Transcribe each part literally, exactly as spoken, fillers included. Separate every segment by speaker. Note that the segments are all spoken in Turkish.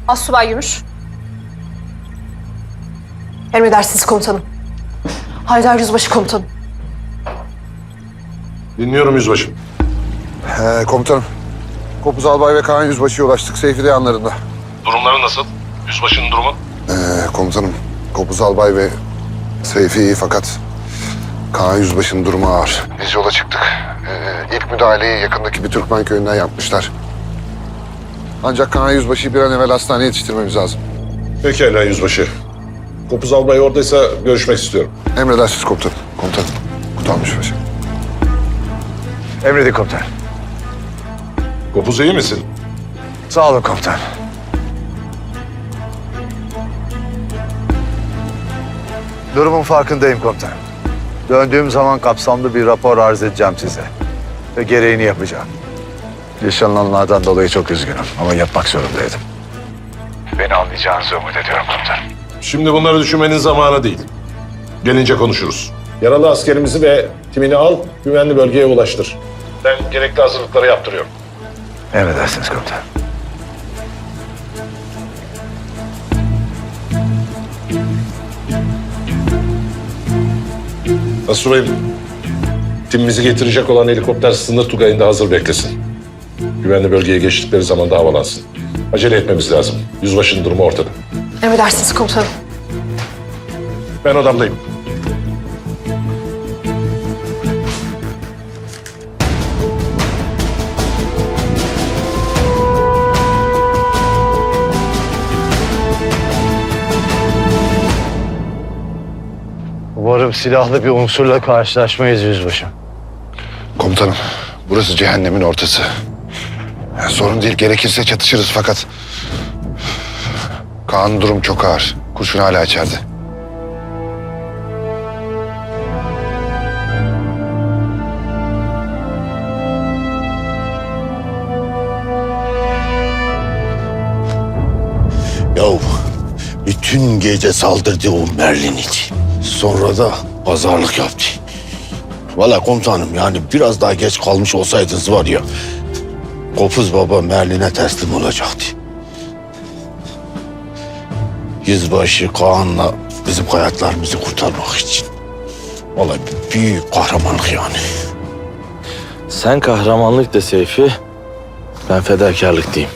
Speaker 1: Astsubay Gümüş. Emredersiniz komutanım. Haydar Yüzbaşı komutanım.
Speaker 2: Dinliyorum yüzbaşım.
Speaker 3: Ee, komutanım. Kopuz Albay ve Kaan Yüzbaşı'ya ulaştık. Seyfi de yanlarında.
Speaker 2: Durumları nasıl? Yüzbaşının durumu?
Speaker 3: Ee, komutanım. Kopuz Albay ve Seyfi iyi fakat Kaan Yüzbaşı'nın durumu ağır. Biz yola çıktık. Ee, ilk müdahaleyi yakındaki bir Türkmen köyünden yapmışlar. Ancak Kaan Yüzbaşı'yı bir an evvel hastaneye yetiştirmemiz lazım.
Speaker 2: Pekala yüzbaşı. Kopuz albay oradaysa görüşmek istiyorum.
Speaker 3: Emredersiniz komutanım. Komutanım. Kutalım Yüzbaşı.
Speaker 4: Emredin komutan.
Speaker 2: Kopuz iyi misin?
Speaker 4: Sağ olun komutan. Durumun farkındayım komutan. Döndüğüm zaman kapsamlı bir rapor arz edeceğim size. Ve gereğini yapacağım. Yaşanılanlardan dolayı çok üzgünüm ama yapmak zorundaydım. Beni anlayacağınızı umut ediyorum komutan.
Speaker 2: Şimdi bunları düşünmenin zamanı değil. Gelince konuşuruz. Yaralı askerimizi ve timini al, güvenli bölgeye ulaştır. Ben gerekli hazırlıkları yaptırıyorum.
Speaker 4: Emredersiniz komutan.
Speaker 2: Asubayım, timimizi getirecek olan helikopter sınır tugayında hazır beklesin. Güvenli bölgeye geçtikleri zaman da havalansın. Acele etmemiz lazım. Yüzbaşının durumu ortada.
Speaker 1: Emredersiniz komutanım.
Speaker 2: Ben odamdayım.
Speaker 4: Umarım silahlı bir unsurla karşılaşmayız yüzbaşım.
Speaker 3: Komutanım. Burası cehennemin ortası. Yani sorun değil. Gerekirse çatışırız fakat... Kaan'ın durum çok ağır. Kurşun hala içeride.
Speaker 5: Yahu bütün gece saldırdı o Merlin için. Sonra da pazarlık yaptı. Vallahi komutanım yani biraz daha geç kalmış olsaydınız var ya... Kopuz Baba Merlin'e teslim olacaktı. Yüzbaşı Kaan'la bizim hayatlarımızı kurtarmak için. Vallahi büyük kahramanlık yani.
Speaker 6: Sen kahramanlık de Seyfi, ben fedakarlık diyeyim.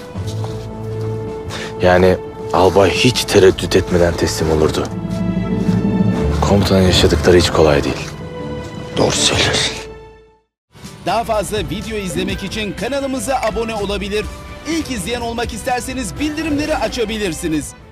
Speaker 6: Yani albay hiç tereddüt etmeden teslim olurdu. Komutanın yaşadıkları hiç kolay değil.
Speaker 5: Doğru söylersin.
Speaker 7: Daha fazla video izlemek için kanalımıza abone olabilir. İlk izleyen olmak isterseniz bildirimleri açabilirsiniz.